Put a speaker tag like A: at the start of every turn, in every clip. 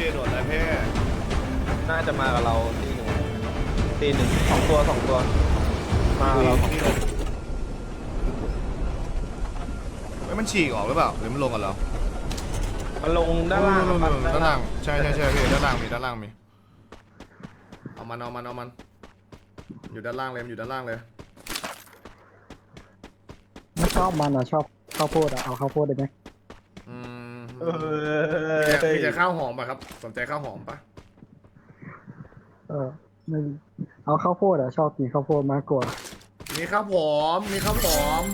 A: พี่โดดอะไรพี่
B: น่าจะมากับเราตีหนึ่งสองตัวมากับเรา
A: พี่ไม่มันฉีกออกหรือเปล่าหรือมันลงกันแล้ว
B: มันลงด้านล่าง
A: ด้านล่างใช่พี่ด้านล่างมีเอามันอยู่ด้านล่างเลยอยู่ด้านล่างเลย
C: ไม่ชอบมันอ่ะชอบข้าวโพดอ่ะเอาข้าวโพดได้ไหม
A: มีแต่ข้าวหอมป่ะครับสนใจข้าวหอมป่ะ
C: ไม่เอาข้าวโพดอ่ะชอบกินข้าวโพดมากกว่า
A: มีข้าวหอมกินข้าวหอม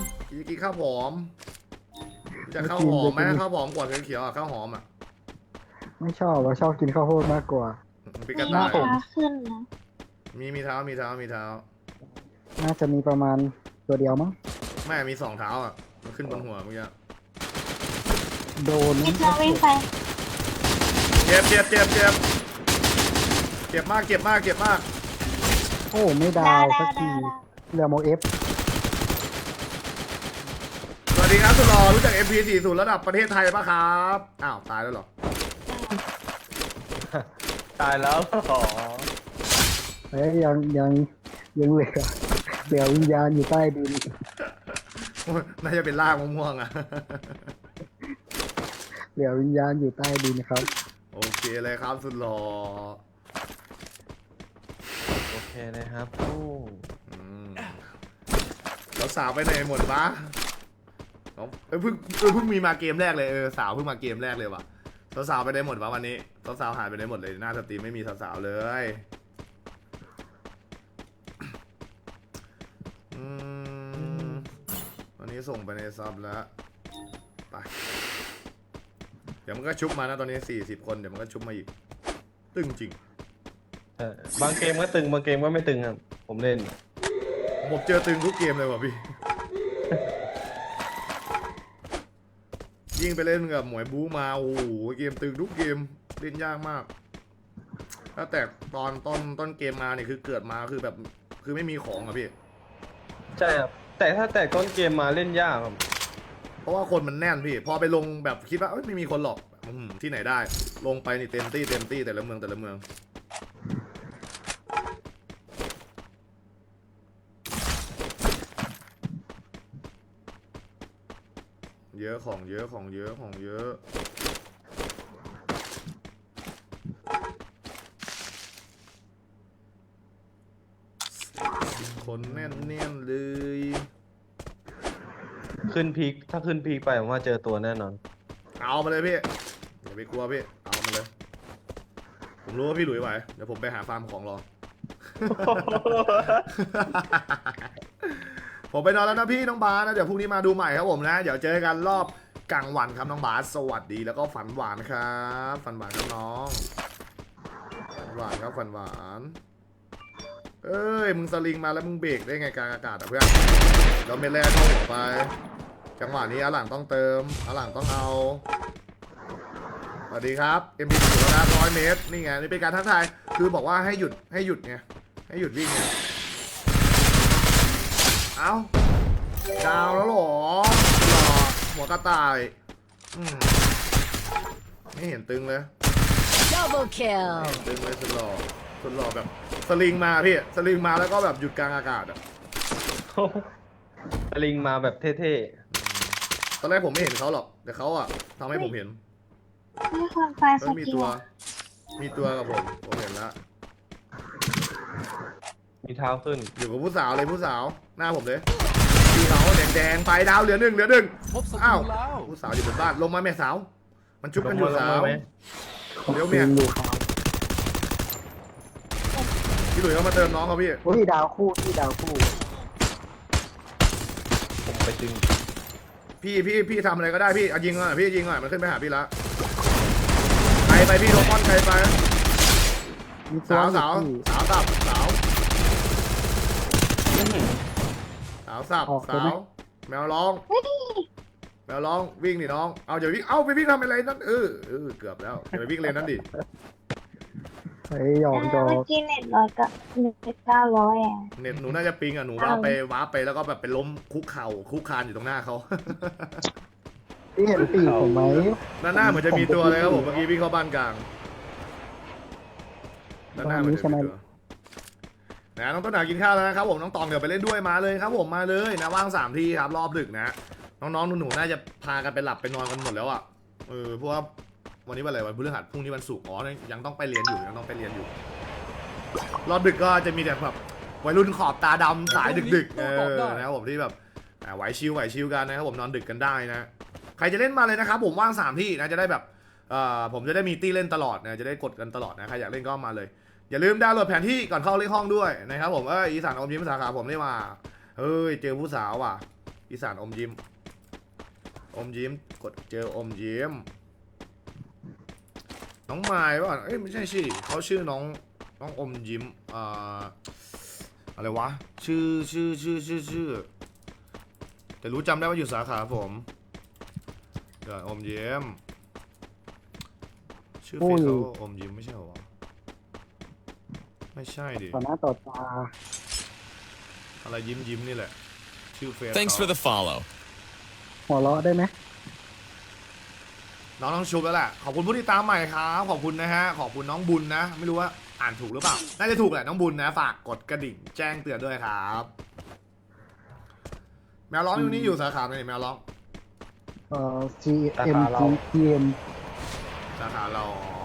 A: จะข้าวหอมไหมข้าวหอมกว่าเขียวๆอ่ะข้าวหอมอ่ะ
C: ไม่ชอบอ่ะชอบกินข้าวโพดมากกว่า
A: มี
D: กระต่ายขึ้นนะ
A: มีเท้า
C: น่าจะมีประมาณตัวเดียวมั้ง
A: ไม่มี2 เท้าอ่ะมันขึ้นบนหัวเมื่อกี้
C: โดน
D: พี่เพื่อนวิ่งไป
A: เจ็บมาก
C: โอ้ไม่ดาวสักทีเรือโมเอฟ
A: สวัสดีครับสุดหล่อรู้จัก MP40 ระดับประเทศไทยป่ะครับอ้าวตายแล้วเหรอ
B: ตายแล้วอ๋อ
C: ยังเหลือวิญญาณอยู่ใต้ดิน
A: น่าจะเป็นล่างม่วงๆอ่ะ
C: เหลือวิญญาณอยู่ใต้ดินครับ
A: โอเคเลยครับสุดหล่อ
B: โอเคเลยครับ
A: แล้วสาวไปไหนหมดวะเพิ่งมีมาเกมแรกเลยสาวเพิ่งมาเกมแรกเลยว่ะสาวไปได้หมดวะวันนี้สาวหายไปได้หมดเลยหน้าสตรีมไม่มีสาวเลยวันนี้ส่งไปในซับแล้วไปเดี๋ยวมันก็ชุบมานะตอนนี้40 คนเดี๋ยวมันก็ชุบมาอีกตึงจริง
B: บางเกมก็ตึงบางเกมก็ไม่ตึงครับผมเล่น
A: ผมเจอตึงทุกเกมเลยว่ะพี่ยิ่งไปเล่นกับหมวยบู๊มาโอ้โหเกมตึงทุกเกมเล่นยากมากถ้าแต่ตอนต้นเกมมาเนี่ยคือเกิดมาคือแบบคือไม่มีของอะพี่
B: ใช่ครับแต่ถ้าแต่ต้นเกมมาเล่นยากครับ
A: เพราะว่าคนมันแน่นพี่พอไปลงแบบคิดว่าไม่มีคนหรอกที่ไหนได้ลงไปนี่เต็มที่แต่ละเมืองเยอะของเยอะคนแน่นเลย
B: ขึ้นพีคถ้าขึ้นพีคไปผมว่าเจอตัวแน่นอน
A: เอามาเลยพี่อย่าไปกลัวพี่เอามาเลยผมรู้ว่าพี่หลุยไหวเดี๋ยวผมไปหาฟาร์มของรอ ผมไปนอนแล้วนะพี่น้องบาสนะเดี๋ยวพรุ่งนี้มาดูใหม่ครับผมนะเดี๋ยวเจอกันรอบกลางวันครับน้องบาสสวัสดีแล้วก็ฝันหวานครับฝันหวานครับน้องฝันหวานครับฝันหวานเอ้ยมึงสลิงมาแล้วมึงเบรกได้ไงกลางอากาศอ่ะเพื่อนเราเมลแรกเข้าหัวไปจังหวะนี้อาหลังต้องเติมอาหลังต้องเอาสวัสดีครับ MP แล้วนะ100 เมตรนี่ไงนี่เป็นการทักทายคือบอกว่าให้หยุดไงให้หยุดวิ่งไงเอาดาวแล้วหรอหัวกระต่ายไม่เห็นตึงเลย
D: Double kill
A: ตึงเลยสุดหล่อแบบสลิงมาพี่สลิงมาแล้วก็แบบหยุดกลางอากาศอ่ะ
B: สลิงมาแบบเท่
A: ๆตอนแรกผมไม่เห็นเขาหรอกแต่เขาอ่ะทำให้ผมเห็น
D: มีคนไฟสกิล
A: มีตัวกับผมเห็นแล้ว
B: มีเท้าขึ้น
A: อยู่กับผู้สาวเลยผู้สาวหน้าผมเลยพี่เขาแดงไปดาวเหลือหนึ่งอ้าวผู้สาวอยู่บนบ้านลงมาแม่สาวมันชุบกันอยู่สาวเดี๋ยวเมียพี่หลุยเขามาเติมน้องเขาพี่
C: ดาวคู่
B: ผมไปดึง
A: พี่ทำอะไรก็ได้พี่ยิงหน่อยพี่ยิงหน่อยมันขึ้นไปหาพี่ละใครไปพี่โรมอนใครไปสาวสับแมวร้องวิ่งดิน้องเอาอย่าวิ่งไปวิ่งทำอะไรนั่นเกือบแล้วอย่าไปวิ่งเลยนั่นดิ
C: เหยอก
D: เมื่อกี้เน็ต100กับ900อ่ะ
A: เน็ตหนูน่าจะปิงอ่ะหนูว้าไปแล้วก็แบบไปล้มคุกคานอยู่ตรงหน้าเขา
C: ที่เห็นปีกผมไหม
A: หน้าเหมือนจะมีตัวเลยครับผมเมื่อกี้วิ่งเข้าบ้านกลางด้านหน้าเหมือนเดิมนะน้องต้นหนากินข้าวแล้วนะครับผมน้องตองเดี๋ยวไปเล่นด้วยมาเลยครับผมมาเลยนะว่าง3ที่ครับรอบดึกนะน้องๆหนูๆน่าจะพากันไปหลับไปนอนกันหมดแล้วอ่ะเพราะว่าวันนี้วันอะไรวันพฤหัสพรุ่งนี้วันศุกร์ยังต้องไปเรียนอยู่รอบดึกก็จะมีแต่แบบวัยรุ่นขอบตาดำสายดึกๆนะครับผมที่แบบไหวชิวกันนะครับผมนอนดึกกันได้นะใครจะเล่นมาเลยนะครับผมว่าง3ที่นะจะได้แบบผมจะได้มีตี้เล่นตลอดนะจะได้กดกันตลอดนะใครอยากเล่นก็มาเลยอย่าลืมดาวน์โหลดแผนที่ก่อนเข้าเลขห้องด้วยนะครับผมอีสานอมยิ้มสาขาผมได้มาเฮ้ยเจอผู้สาวว่ะอีสานอมยิ้มกดเจออมยิ้มน้องไม้ป่ะไม่ใช่สิเขาชื่อน้องอมยิ้มอะไรวะชื่อแต่รู้จำได้ว่าอยู่สาขาผมเดี๋ยวอมยิ้มชื่อเฟซเขาอมยิ้มไม่ใช่เหรอวะไม่ใช่ดิ
C: ต่อหน้าต่อตา
A: อะไรยิ้มนี่แหละชื่อเฟซ
E: Thanks for the follow.
C: หัวเราะได้ไหม
A: น้องต้องชุบแล้วแหละขอบคุณผู้ติดตามใหม่ครับขอบคุณนะฮะขอบคุณน้องบุญนะไม่รู้ว่าอ่านถูกหรือเปล่าน่าจะถูกแหละน้องบุญนะฝากกดกระดิ่งแจ้งเตือนด้วยครับแมวร้องอยู่นี่อยู่สาขาไหนแมวร้อง
C: GM
A: สาขาเรา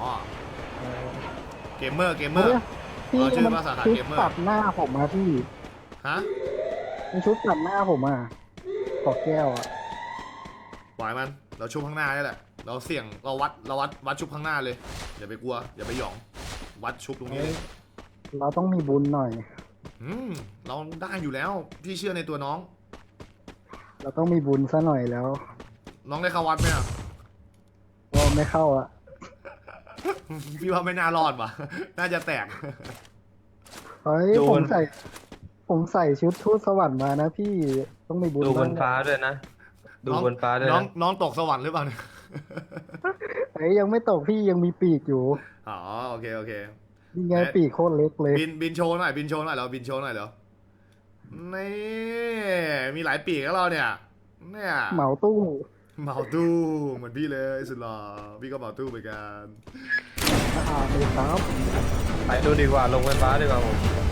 A: เกมเมอร์
C: พี่
A: ชื่อ
C: มัน
A: ว่าสาขา
C: ชุด
A: เกมเมอร์
C: ตัดหน้าผมมาพี่
A: ฮะ
C: มันชุดตัดหน้าผมอ่ะขอแก้วอ่ะ
A: ปล่อยมันเราชุบข้างหน้านี่แหละเราเสี่ยงเราวัดชุบข้างหน้าเลยอย่าไปกลัวอย่าไปหยองวัดชุบตรงนี้เลย
C: เราต้องมีบุญหน่อย
A: เราได้อยู่แล้วพี่เชื่อในตัวน้อง
C: เราต้องมีบุญซะหน่อยแล้ว
A: น้องได้เข้าวัดไหมอ่ะ
C: ว่าไม่เข้าอ่ะ
A: พี่ว่าไม่น่ารอดว่ะ น่าจะแตก
C: เฮ้ยผมใส่ชุดทูตสวรรค์มานะพี่ต้องมีบุญ
B: ดูบน
C: บ้าง
B: ฟ้าด้วยนะ ดูบนฟ้าด้วย
A: น้อง
B: นะ
A: น้องตกสวรรค์หรือเปล่าเนี่ย
C: เฮ้ยยังไม่ตกพี่ยังมีปีกอยู่
A: อ๋อโอเค
C: นี่ไงปีกโคตรเล็กเลย
A: บินโชว์หน่อยเราบินโชว์หน่อยเดี๋ยวนี่มีหลายปีกแล้วเราเนี่ยเนี่ย
C: เหมาตู้
A: เหมาตู้เหมือนพี่เลยสุดหล่อพี่ก็เหมาตู้เหมือนกัน
C: เลยครับ
B: ไปดูดีกว่าลงบนฟ้าดีกว่าผม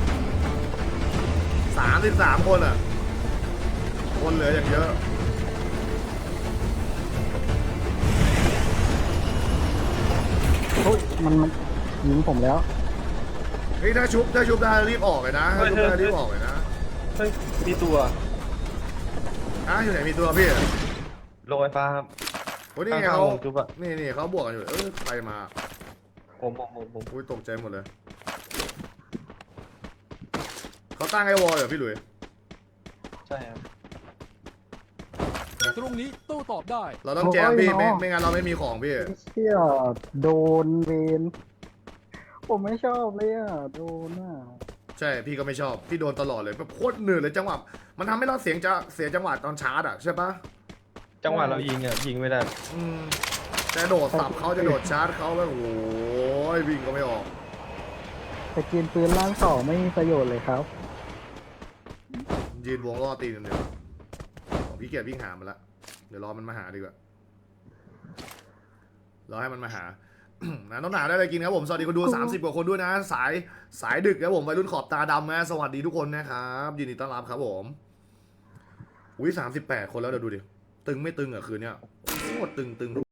A: 33 คนอ่ะคนเหลืออย่างเยอะ
C: โอ้ยมันยิงผมแล้ว
A: เฮ้ยถ้าชุบได้รีบออกเลยนะถ้าชุบได้รีบออกเลยนะ
B: เฮ้ยมีตัว
A: อยู่ไหนมีตัวพี่
B: ลงไฟฟ้าครับ
A: โอ้นี่ไง
B: ข้าง
A: เขา
B: ๆวงจุ๊บอะ
A: นี่เขาบวกกันอยู่ใครมา
B: ผม
A: อุ้ยตกใจหมดเลยเขาตั้งไอ้วอลเหรอพี่หลุย
B: ใช่ครับ
E: ตรงนี้โต้ตอบได้
A: เราต้องแจมพี่ไม่งั้นเราไม่มีของพี่
C: เชี่ยโดนเวนผมไม่ชอบเลยอ่ะโดนอ่ะ
A: ใช่พี่ก็ไม่ชอบพี่โดนตลอดเลยแบบโคตรเหนื่อยเลยจังหวะมันทำให้เราเสียจังหวะตอนชาร์จอ่ะใช่ปะ
B: จังหวะเรายิงอ่ะยิงไม่ได้
A: จะโดดสับเขาจะโดดชาร์จเขาแล้วโอ้ยวิ่งก็ไม่ออก
C: แต่กินปืนล่างสองไม่มีประโยชน์เลยครับ
A: ยืนวงล่อตีกันเดียวของพี่เกียรวิ่งหามันละเดี๋ยวรอมันมาหาดีกว่ารอให้มันมาหา นะน้องหนาได้อะไรกินครับผมสวัสดีคนดู30 กว่าคนด้วยนะสายดึกครับผมวัยรุ่นขอบตาดำนะสวัสดีทุกคนนะครับยินดีต้อนรับครับผมอุ้ย38 คนแล้วเดี๋ยวดูดิตึงไม่ตึงอ่ะคืนเนี้ยโคตรตึง